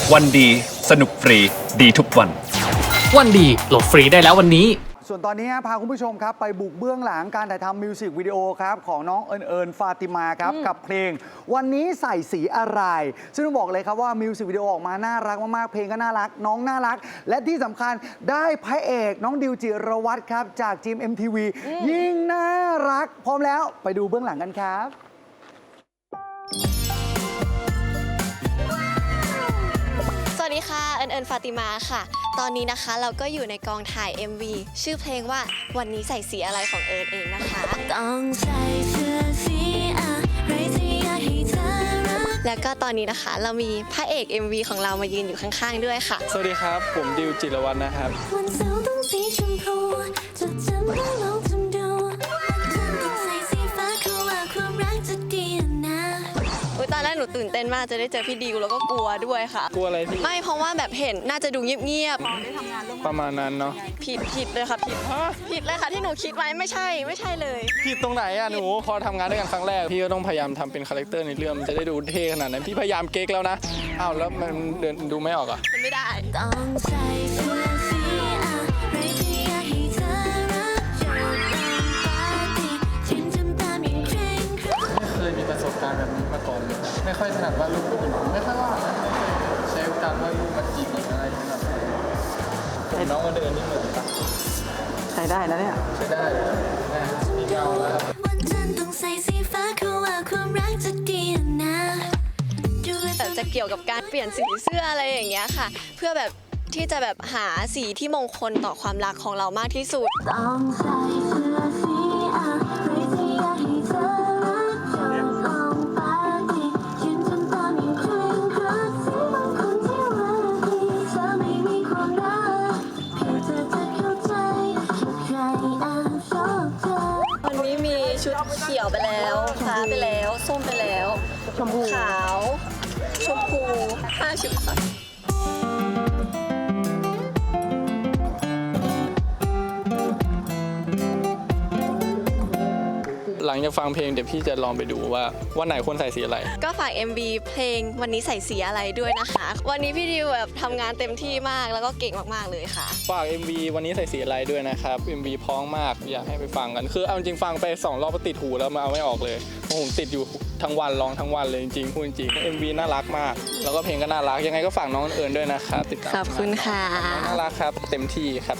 วันดีสนุกฟรีดีทุกวันวันดีโหลดฟรีได้แล้ววันนี้ส่วนตอนนี้พาคุณผู้ชมครับไปบุกเบื้องหลังการถ่ายทำมิวสิกวิดีโอครับของน้องเอิญฟาติมาครับกับเพลงวันนี้ใส่สีอะไรซึ่งต้องบอกเลยครับว่ามิวสิกวิดีโอออกมาน่ารักมากๆเพลงก็น่ารักน้องน่ารักและที่สำคัญได้พระเอกน้องดิวจิรวัตรครับจากทีม MTV ยิ่งน่ารักพร้อมแล้วไปดูเบื้องหลังกันครับสวัสดีค่ะเอิญฟาติมาค่ะตอนนี้นะคะเราก็อยู่ในกองถ่าย MV ชื่อเพลงว่าวันนี้ใส่สีอะไรของเอิญเองนะคะต้องใส่เสื้อสีอะไรที่อยากให้เธอรักแล้วก็ตอนนี้นะคะเรามีพระเอก MV ของเรามายืนอยู่ข้างๆด้วยค่ะสวัสดีครับผมดิวจิรวัฒน์นะครับวันเสาร์ต้องสีชมพูจะจำได้ลองทำดูต้องใส่สีฟ้าเขาว่าความรักจะดีนะตอนแรกหนูตื่นเต้นมากจะได้เจอพี่ดิวแล้วก็กลัวด้วยค่ะกลัวอะไรพี่ไม่เพราะว่าแบบเห็นน่าจะดูเงียบๆประมาณนั้นเนาะผิดเลยค่ะผิดเลยค่ะที่หนูคิดไว้ไม่ใช่เลยผิดตรงไหนอะหนูพอทำงานด้วยกันครั้งแรกพี่ก็ต้องพยายามทำเป็นคาแรคเตอร์ในเรื่องมันจะได้ดูเท่ขนาดนั้นพี่พยายามเก๊กแล้วนะอ้าวแล้วมันเดินดูไม่ออกอะมันไม่ได้ต้องใส่เสื้อสีอะไรที่อยากให้เธอรักจะลองปาร์ตี้ฉันทำตามอย่างเคร่งครัดไม่เคยมีประสบการณ์แบบนี้มาก่อนเลยไม่ค่อยถนัดวาดรูปผู้หญิงไม่ค่อยว่าไม่เคยใช้การวาดรูปมาจีบอะไรอย่างเงี้ยผมน้องมาเดินนี่เหมือนปะใช้ได้นะเนี่ยใช้ได้มีเงาแล้ววันจันทร์ต้องใส่สีฟ้าเขาว่าความรักจะดีนะแต่จะเกี่ยวกับการเปลี่ยนสีเสื้ออะไรอย่างเงี้ยค่ะเพื่อแบบที่จะแบบหาสีที่มงคลต่อความรักของเรามากที่สุดต้องใส่เสื้อสีอะไรที่อยากให้เธอรักจะลองปาร์ตี้ฉันทำตามอย่างเคร่งครัดสีบางคนที่ว่าดีเธอไม่มีความรักเพียงเธอจะเข้าใจใครแอบชอบเธอวันนี้มีชุดเขียวไปแล้วฟ้าไปแล้วส้มไปแล้วชมพูขาวชมพู5 ชุดค่ะหลังจากฟังเพลงเดี๋ยวพี่จะลองไปดูว่าวันไหนควรใส่สีอะไรก็ฝาก MV เพลงวันนี้ใส่สีอะไรด้วยนะคะวันนี้พี่ดิวแบบทำงานเต็มที่มากแล้วก็เก่งมากๆเลยค่ะฝาก MV วันนี้ใส่สีอะไรด้วยนะครับ MV พ้องมากอยากให้ไปฟังกันคือเอาจริงฟังไป2 รอบก็ติดหูแล้วมาเอาไม่ออกเลยผมติดอยู่ทั้งวันร้องทั้งวันเลยจริงๆพูดจริง MV น่ารักมากแล้วก็เพลงก็น่ารักยังไงก็ฝากน้องเอิญด้วยนะครับติดตามขอบคุณค่ะน่ารักครับเต็มที่ครับ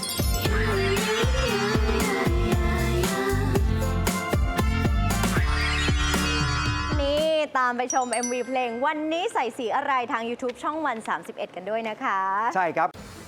ตามไปชม MV เพลงวันนี้ใส่สีอะไรทาง YouTube ช่องวัน 31 กันด้วยนะคะใช่ครับ